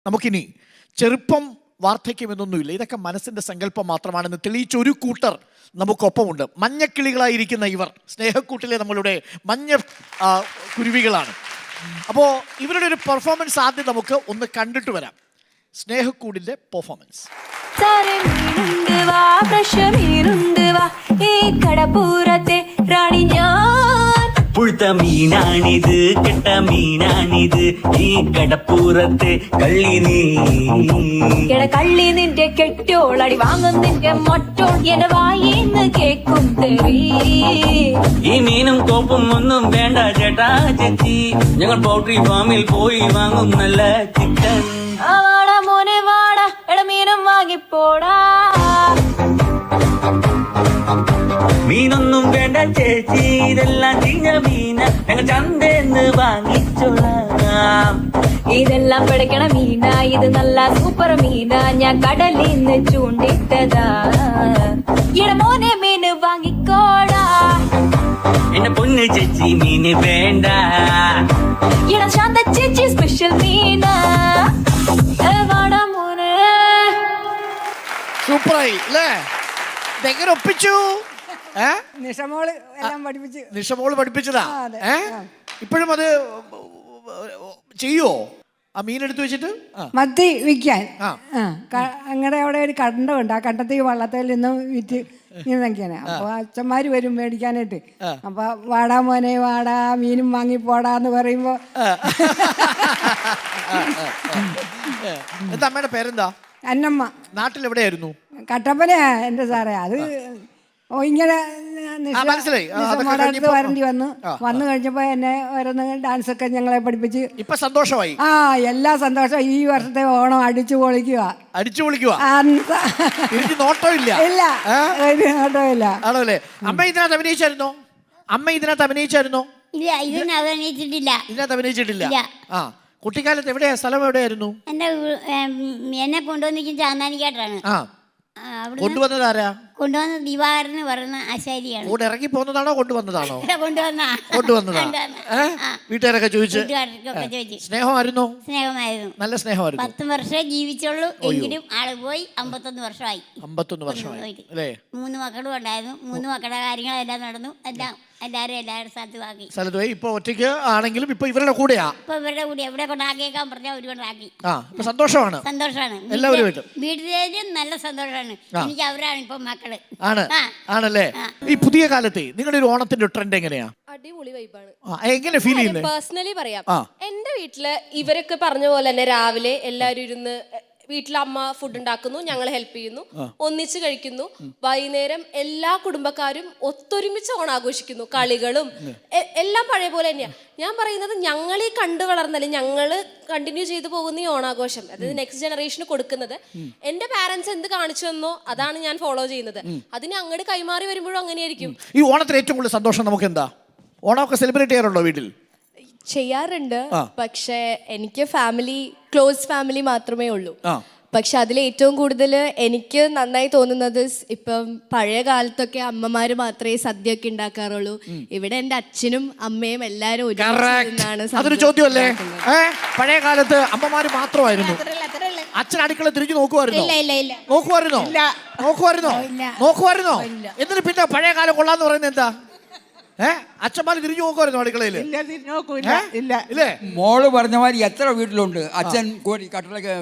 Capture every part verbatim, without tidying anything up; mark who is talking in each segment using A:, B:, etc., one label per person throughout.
A: നമുക്കിനി ചെറുപ്പം വാർദ്ധക്യമെന്നൊന്നുമില്ല, ഇതൊക്കെ മനസ്സിൻ്റെ സങ്കല്പം മാത്രമാണെന്ന് തെളിയിച്ച ഒരു കൂട്ടർ നമുക്കൊപ്പമുണ്ട്. മഞ്ഞക്കിളികളായിരിക്കുന്ന ഇവർ സ്നേഹക്കൂട്ടിലെ നമ്മളുടെ മഞ്ഞ കുരുവികളാണ്. അപ്പോൾ ഇവരുടെ ഒരു പെർഫോമൻസ് ആദ്യം നമുക്ക് ഒന്ന് കണ്ടിട്ട് വരാം. സ്നേഹക്കൂടിൻ്റെ പെർഫോമൻസ്.
B: പുഴുത്ത മീനാണിത്, കെട്ട മീനാണിത്, ഈ കടപ്പൂരത്തെ കള്ളി നീ
C: കള്ളി നിന്റെ കെട്ടോളടി വാങ്ങും നിന്റെ മൊട്ടോൾ എന്റെ വായിന്ന് കേക്കും തെറി.
B: ഈ മീനും കോപ്പും ഒന്നും വേണ്ട ചേട്ടാ ചേച്ചി, ഞങ്ങൾ പൗൾട്രി ഫാമിൽ പോയി വാങ്ങും നല്ല ചിക്കൻ.
C: വാടാ മോനെ വാടാ, എട മീനും വാങ്ങിപ്പോടാ.
B: മീനൊന്നും വേണ്ട ചേച്ചി, ഇതെല്ലാം ചീഞ്ഞ മീന, ഞങ്ങൾ ചന്തന്ന് വാങ്ങിച്ചോളാം.
C: ഇതെല്ലാം പിടിക്കണ മീന, ഇത് നല്ല സൂപ്പർ മീന, ഞാൻ കടലിന്ന് ചൂണ്ടിട്ടതാ. ഇട മോനെ മീന് വാങ്ങിക്കോടാ.
B: എന്റെ പൊന്ന് ചേച്ചി മീന് വേണ്ട.
C: ഇട ശാന്ത ചേച്ചി സ്പെഷ്യൽ മീന. വാടാ മോനെ.
A: സൂപ്പറായി അല്ലേ? ഇതെങ്ങനെ ഒപ്പിച്ചു?
D: നിഷമോള് എല്ലാം പഠിപ്പിച്ചു.
A: നിഷമോള് പഠിപ്പിച്ചതാ? ഏ ഇപ്പോഴും അത് ചെയ്യോ ആ മീൻ എടുത്തു വെച്ചിട്ട്?
D: മത്തി വിൽക്കാൻ അങ്ങടെ അവിടെ ഒരു കണ്ടമുണ്ട്. ആ കണ്ടത്തിൽ വള്ളത്തിൽ നിന്നും വിറ്റ് ഇങ്ങനെയൊക്കെയാണ്. അപ്പൊ അച്ഛന്മാര് വരും മേടിക്കാനായിട്ട്. അപ്പൊ വാടാ മോനെ വാടാ, മീനും വാങ്ങി പോടാന്ന് പറയുമ്പോ.
A: എന്താ അമ്മയുടെ പേരെന്താ?
D: അന്നമ്മ.
A: നാട്ടിൽ എവിടെയായിരുന്നു?
D: കട്ടപ്പനയാ എന്റെ സാറേ. അത് ഓ ഇങ്ങനെ അടുത്ത് വരേണ്ടി വന്നു. വന്നു കഴിഞ്ഞപ്പോ എന്നെ ഓരോന്ന് ഡാൻസ് ഒക്കെ ഞങ്ങളെ പഠിപ്പിച്ച്
A: ഇപ്പൊ സന്തോഷമായി.
D: ആ എല്ലാ സന്തോഷം. ഈ വർഷത്തെ ഓണം അടിച്ചു പൊളിക്കുക.
A: അടിച്ചു പൊളിക്കുക. നോട്ടമില്ല.
D: ഇല്ല, ഒരു നോട്ടമില്ല.
A: ആണല്ലേ? അമ്മ ഇതിനകത്ത് അഭിനയിച്ചായിരുന്നോ? അമ്മ ഇതിനകത്ത് അഭിനയിച്ചായിരുന്നോ?
E: ഇല്ല, ഇതിനകത്ത് അഭിനയിച്ചിട്ടില്ല.
A: ഇതിനകത്ത് അഭിനയിച്ചിട്ടില്ല. ആ കുട്ടിക്കാലത്ത് എവിടെയാ സ്ഥലം? എവിടെയായിരുന്നു?
E: എന്റെ എന്നെ കൊണ്ടുവന്നിരിക്കും ചാന്നാനിക്കാട്ടാണ്.
A: ആ കൊണ്ടുവന്നത് ആരാ?
E: കൊണ്ടുവന്നത് ദിവാകരന് പറയുന്ന ആശാരിയാണ്.
A: കൂടെ ഇറങ്ങി പോകുന്നതാണോ കൊണ്ടുവന്നതാണോ?
E: കൊണ്ടുവന്ന
A: കൊണ്ടുവന്നതാ. വീട്ടുകാരൊക്കെ ചോദിച്ചു സ്നേഹമായിരുന്നോ?
E: സ്നേഹമായിരുന്നു.
A: നല്ല സ്നേഹമായിരുന്നു.
E: പത്ത് വർഷമേ ജീവിച്ചുള്ളൂ, എങ്കിലും ആള് പോയി അമ്പത്തൊന്ന് വർഷമായി.
A: അമ്പത്തൊന്ന് വർഷമായി അല്ലേ?
E: മൂന്ന് മക്കളും ഉണ്ടായിരുന്നു. മൂന്ന് മക്കളുടെ കാര്യങ്ങളെല്ലാം നടന്നു. എല്ലാം എല്ലാരും എല്ലാവരുടെ സ്ഥലത്ത് ആക്കി.
A: സ്ഥലത്ത് പോയി. ഇപ്പൊ ഒറ്റയ്ക്ക് ആണെങ്കിലും ഇപ്പൊ ഇവരുടെ കൂടെയാ.
E: ഇപ്പൊ ഇവരുടെ കൂടെ എവിടെ കൊണ്ടാക്കിയേക്കാൻ പറഞ്ഞാൽ ഒരു കൊണ്ടാക്കി.
A: ആ ഇപ്പൊ സന്തോഷമാണ്.
E: സന്തോഷമാണ്.
A: എല്ലാവരും
E: വീട്ടിലേക്കും നല്ല സന്തോഷമാണ്. എനിക്ക് അവരാണ് ഇപ്പൊ മക്കള്.
A: ആണ് ആണല്ലേ? ഈ പുതിയ കാലത്തെ നിങ്ങളുടെ ഒരു ഓണത്തിന്റെ ട്രെൻഡ് എങ്ങനെയാ?
F: അടിപൊളി വൈബാണ്.
A: എങ്ങനെ ഫീൽ ചെയ്യുന്നത്?
F: പേഴ്സണലി പറയാം, എന്റെ വീട്ടില് ഇവരൊക്കെ പറഞ്ഞ പോലെ തന്നെ രാവിലെ എല്ലാവരും ഇരുന്ന് വീട്ടിൽ അമ്മ ഫുഡ് ഉണ്ടാക്കുന്നു, ഞങ്ങൾ ഹെൽപ്പ് ചെയ്യുന്നു, ഒന്നിച്ച് കഴിക്കുന്നു. വൈകുന്നേരം എല്ലാ കുടുംബക്കാരും ഒത്തൊരുമിച്ച് ഓണാഘോഷിക്കുന്നു. കളികളും എല്ലാം പഴയ പോലെ തന്നെയാണ്. ഞാൻ പറയുന്നത് ഞങ്ങൾ ഈ കണ്ടു വളർന്നാലും ഞങ്ങള് കണ്ടിന്യൂ ചെയ്തു പോകുന്ന ഈ ഓണാഘോഷം, അതായത് നെക്സ്റ്റ് ജനറേഷന് കൊടുക്കുന്നത് എന്റെ പാരന്റ്സ് എന്ത് കാണിച്ചു തന്നോ അതാണ് ഞാൻ ഫോളോ ചെയ്യുന്നത്. അതിന് അങ്ങോട്ട് കൈമാറി വരുമ്പോഴും അങ്ങനെയായിരിക്കും.
A: ഈ ഓണത്തിന് ഏറ്റവും കൂടുതൽ സന്തോഷം നമുക്ക് എന്താ? ഓണമൊക്കെ സെലിബ്രേറ്റ് ചെയ്യാറുണ്ടോ വീട്ടിൽ?
F: ചെയ്യാറുണ്ട്, പക്ഷെ എനിക്ക് ഫാമിലി ക്ലോസ് ഫാമിലി മാത്രമേ ഉള്ളൂ. പക്ഷെ അതിൽ ഏറ്റവും കൂടുതൽ എനിക്ക് നന്നായി തോന്നുന്നത് ഇപ്പം പഴയ കാലത്തൊക്കെ അമ്മമാര് മാത്രമേ സദ്യ ഒക്കെ ഉണ്ടാക്കാറുള്ളൂ. ഇവിടെ എന്റെ അച്ഛനും അമ്മയും എല്ലാരും ഒരുമിച്ചാണ്.
A: അതൊരു ചോദ്യമല്ലേ? പഴയ കാലത്ത് അമ്മമാര് മാത്രമായിരുന്നു. അച്ഛൻ അടുക്കള തിരിഞ്ഞു നോക്കുവായിരുന്നോ? നോക്കുവായിരുന്നോ? നോക്കുവായിരുന്നോ? നോക്കുവായിരുന്നോ? എന്നിട്ട് പിന്നെ പഴയ കാലം കൊള്ളാന്ന് പറയുന്നത് എന്താ? ഏഹ് അച്ഛന്മാര് തിരിഞ്ഞു നോക്കുമായിരുന്നു അടുക്കളയില്? ഇല്ലേ?
G: മോള് പറഞ്ഞ മാതിരി എത്ര വീട്ടിലുണ്ട് അച്ഛൻ കോരി കട്ടളൊക്കെ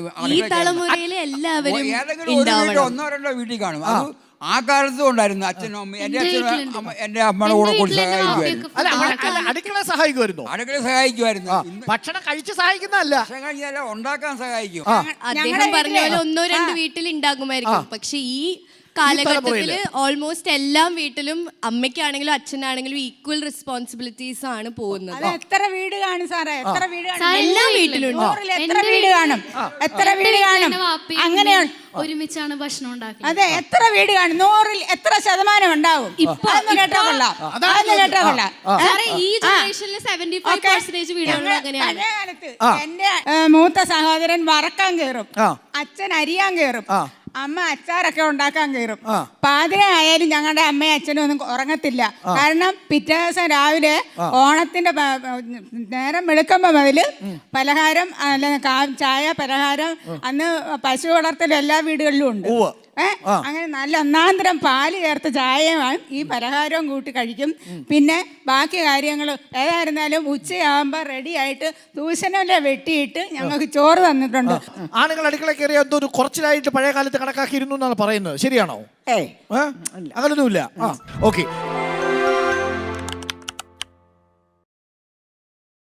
G: ഒന്നോ രണ്ടോ വീട്ടിൽ കാണും. അത് ആ കാലത്തും ഉണ്ടായിരുന്നു. അച്ഛനും അമ്മയും എന്റെ അച്ഛനും എന്റെ അമ്മയുടെ കൂടെ കൂടി സഹായിക്കുമായിരുന്നു.
A: അടുക്കള സഹായിക്കുമായിരുന്നു.
G: അടുക്കള സഹായിക്കുമായിരുന്നു.
A: ഭക്ഷണം കഴിച്ച് സഹായിക്കുന്നതല്ല,
G: ഭക്ഷണം കഴിച്ചാൽ ഉണ്ടാക്കാൻ സഹായിക്കും.
F: അദ്ദേഹം പറഞ്ഞ പോലെ ഒന്നോ രണ്ട് വീട്ടിൽ ഉണ്ടാകുമായിരിക്കും. പക്ഷെ ഈ കാലഘട്ടത്തില് ഓൾമോസ്റ്റ് എല്ലാ വീട്ടിലും അമ്മയ്ക്കാണെങ്കിലും അച്ഛനാണെങ്കിലും ഈക്വൽ റെസ്പോൺസിബിലിറ്റീസ് ആണ് പോകുന്നത്.
H: എത്ര വീട് കാണും സാറേ? എത്ര വീട്
F: എല്ലാ വീട്ടിലും
H: എത്ര വീട് കാണും? എത്ര വീട് കാണും? അങ്ങനെയാണ്
I: ഒരുമിച്ചാണ് ഭക്ഷണം ഉണ്ടാക്കുന്നത്.
H: അതെ, എത്ര വീട് കാണും? നൂറിൽ എത്ര ശതമാനം ഉണ്ടാവും? അതൊന്നും കേട്ടാ കൊള്ളാം. അതൊന്നും കേട്ടാ കൊള്ളാം.
F: ഈ ജനറേഷനിൽ സെവന്റി ഫൈവ് പെർസെന്റേജ് വീടുകൾ അങ്ങനെയാണ്.
H: എന്റെ മൂത്ത സഹോദരൻ വറക്കാൻ കയറും, അച്ഛൻ അരിയാൻ കയറും. അമ്മ അച്ചാറൊക്കെ ഉണ്ടാക്കാൻ കയറും. പാതിര ആയാലും ഞങ്ങളുടെ അമ്മയും അച്ഛനും ഒന്നും ഉറങ്ങത്തില്ല. കാരണം പിറ്റേ ദിവസം രാവിലെ ഓണത്തിന്റെ പ- നേരം വെളുക്കുമ്പോ മുതല് പലഹാരം അല്ല കാ- ചായ പലഹാരം അന്ന് പശു വളർത്തൽ എല്ലാ വീടുകളിലും ഉണ്ട്. ഏഹ് അങ്ങനെ നല്ല ഒന്നാന്തരം പാല് ചേർത്ത് ചായയും ഈ പലഹാരവും കൂട്ടി കഴിക്കും. പിന്നെ ബാക്കി കാര്യങ്ങൾ ഏതായിരുന്നാലും ഉച്ചയാകുമ്പോൾ റെഡി ആയിട്ട് ദൂഷണല വെട്ടിയിട്ട് ഞങ്ങൾക്ക് ചോറ് തന്നിട്ടുണ്ട്.
A: ആണുങ്ങൾ അടുക്കള കയറിയ എന്തോ ഒരു കുറച്ചിലായിട്ട് പഴയ കാലത്ത് കണക്കാക്കിയിരുന്നു എന്നാണ് പറയുന്നത്. ശരിയാണോ?
D: ഏയ്
A: അങ്ങനൊന്നുമില്ല. ഓക്കെ.